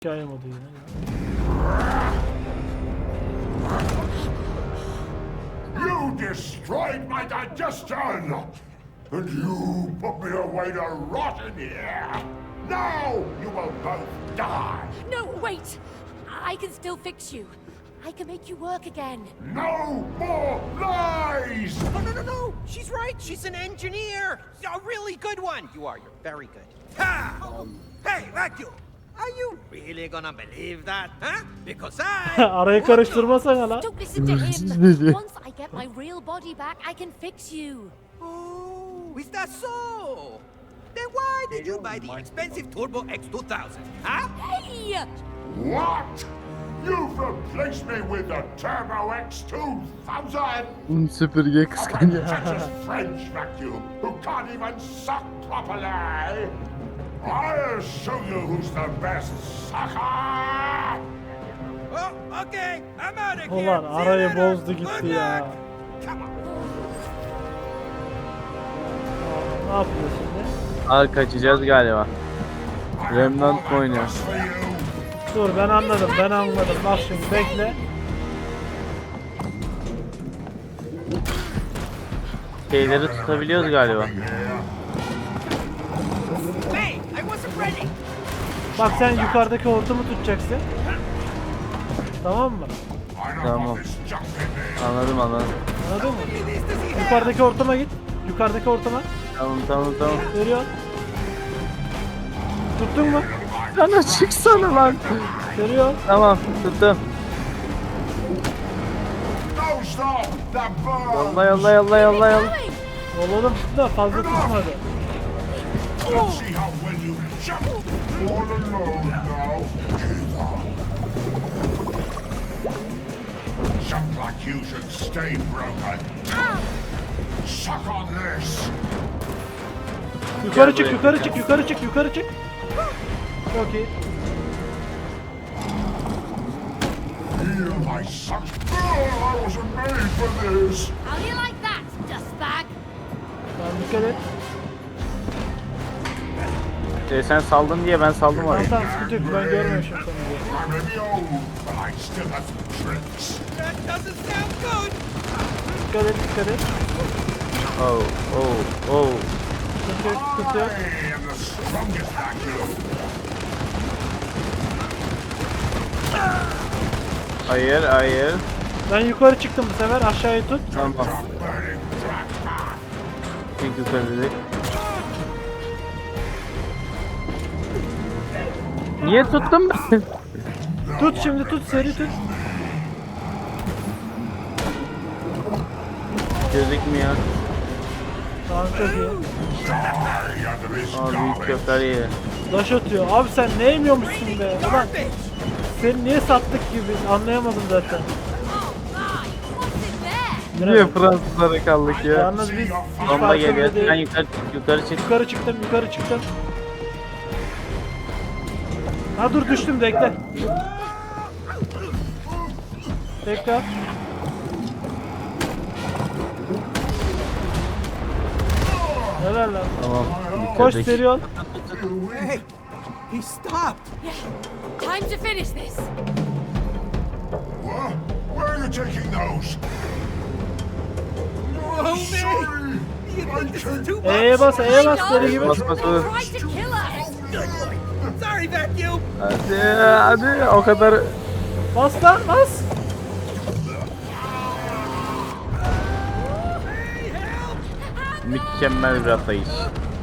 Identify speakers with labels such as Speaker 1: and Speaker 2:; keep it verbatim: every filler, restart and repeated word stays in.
Speaker 1: Hikaye modu yine.
Speaker 2: You destroyed my digestion! And you put me away to rot in here! Now you will both die!
Speaker 3: No, wait! I can still fix you. I can make you work again.
Speaker 2: No more lies!
Speaker 4: Oh, no, no, no! She's right! She's an engineer! A really good one! You are, you're very good. Ha! Hey, Vacuum! Are you really gonna believe that, huh? Because I...
Speaker 1: Arayı karıştırmasana lan.
Speaker 3: Don't listen to him. Once I get my real body back, I can fix you.
Speaker 4: Oh, is that so? Then why did you buy the expensive Turbo X two thousand, huh?
Speaker 3: Hey!
Speaker 2: What? You've replaced me with the Turbo X two thousand?
Speaker 5: Süpürge
Speaker 2: A
Speaker 5: kıskanıyor.
Speaker 2: pretentious French vacuum who can't even suck properly! I'll show you who's the best sucker!
Speaker 4: Oh, okay, I'm out of here.
Speaker 1: Ulan
Speaker 4: See you
Speaker 1: arayı
Speaker 4: later.
Speaker 1: bozdu gitti
Speaker 4: Good
Speaker 1: ya.
Speaker 4: luck. Come on.
Speaker 1: Ne yapıyor şimdi?
Speaker 5: Al kaçacağız galiba. Remnant mı oynuyor?
Speaker 2: For you.
Speaker 1: Dur ben anladım ben anladım. Bak şimdi bekle.
Speaker 5: Şeyleri tutabiliyoruz galiba.
Speaker 4: Hey, I wasn't ready.
Speaker 1: Bak sen yukarıdaki hortumu tutacaksın. Tamam mı?
Speaker 2: I don't
Speaker 5: Tamam.
Speaker 2: want this junk in there.
Speaker 5: Anladım anladım.
Speaker 1: Anladın mı?
Speaker 4: How many of these does he have?
Speaker 1: Yukarıdaki hortuma git. Yukarıdaki hortuma.
Speaker 5: Tamam tamam tamam.
Speaker 1: Görüyor. Tuttun mu?
Speaker 5: Sana çıksana lan.
Speaker 1: Görüyor.
Speaker 5: Tamam tuttum.
Speaker 2: No stop! The burn!
Speaker 5: Yolla yolla yolla yolla yolla.
Speaker 3: Going!
Speaker 1: Oğlum tuttu da fazla tutmadı.
Speaker 2: Let's see how well you jump! All alone now. Jump like you should stay broken. Suck on this!
Speaker 1: Yukarı çık yukarı çık yukarı çık yukarı çık. Çok iyi.
Speaker 2: Feel my suck. Oh, I wasn't made for this!
Speaker 3: How do you like that, dustbag?
Speaker 1: Tamam dikkat et.
Speaker 5: Ee, sen saldın diye ben saldım
Speaker 1: Tamam
Speaker 5: orayı.
Speaker 1: tamam sıkıntı yok ben görmemişim seni diye.
Speaker 2: I may be old, but I still have some tricks.
Speaker 4: That doesn't sound good.
Speaker 1: Dikkat et dikkat et.
Speaker 5: Oh oh oh.
Speaker 1: Sıkıntı yok sıkıntı yok.
Speaker 2: I am the strongest vacuum.
Speaker 5: Hayır hayır.
Speaker 1: Ben yukarı çıktım bu sefer aşağıyı tut.
Speaker 5: Tamam.
Speaker 2: Burning black.
Speaker 5: İlk yukarı dedik. Niye tuttum ben?
Speaker 1: Tut şimdi tut seri tut.
Speaker 5: Gözükmüyor.
Speaker 1: Tamam çok iyi.
Speaker 2: Die under his
Speaker 5: Aa büyük
Speaker 2: garbage.
Speaker 5: köfteler iyi.
Speaker 1: Taş atıyor. Abi sen ne yemiyormuşsun be? Ulan
Speaker 4: Garbage.
Speaker 1: seni niye sattık gibi anlayamadım zaten.
Speaker 3: Oh my! What's in there?
Speaker 5: Niye Fransızlara kaldık ya?
Speaker 1: Yalnız biz hiç
Speaker 5: Bomba geliyor.
Speaker 1: farkında
Speaker 5: Sen
Speaker 1: değil.
Speaker 5: yukarı çık, yukarı çık.
Speaker 1: Yukarı çıktım yukarı çıktım. Ha dur düştüm bekle. Tekrar. Helal lan.
Speaker 5: Tamam.
Speaker 1: Koş
Speaker 5: bitirdik.
Speaker 1: seri ol.
Speaker 4: Hey, he stopped.
Speaker 3: Yeah. Time to finish this.
Speaker 2: What? Where are you taking those?
Speaker 4: Oh, man.
Speaker 2: Sorry.
Speaker 4: You think this is too much?
Speaker 1: E'ye bas E'ye bas
Speaker 3: I
Speaker 1: deli gibi.
Speaker 3: know.
Speaker 5: Bas, bas,
Speaker 3: They
Speaker 5: bas.
Speaker 3: tried to kill us.
Speaker 4: Sorry, Vacuum.
Speaker 5: Hadi hadi o kadar.
Speaker 1: Bas lan bas.
Speaker 4: Hey, help.
Speaker 5: Mükemmel bir atlayış.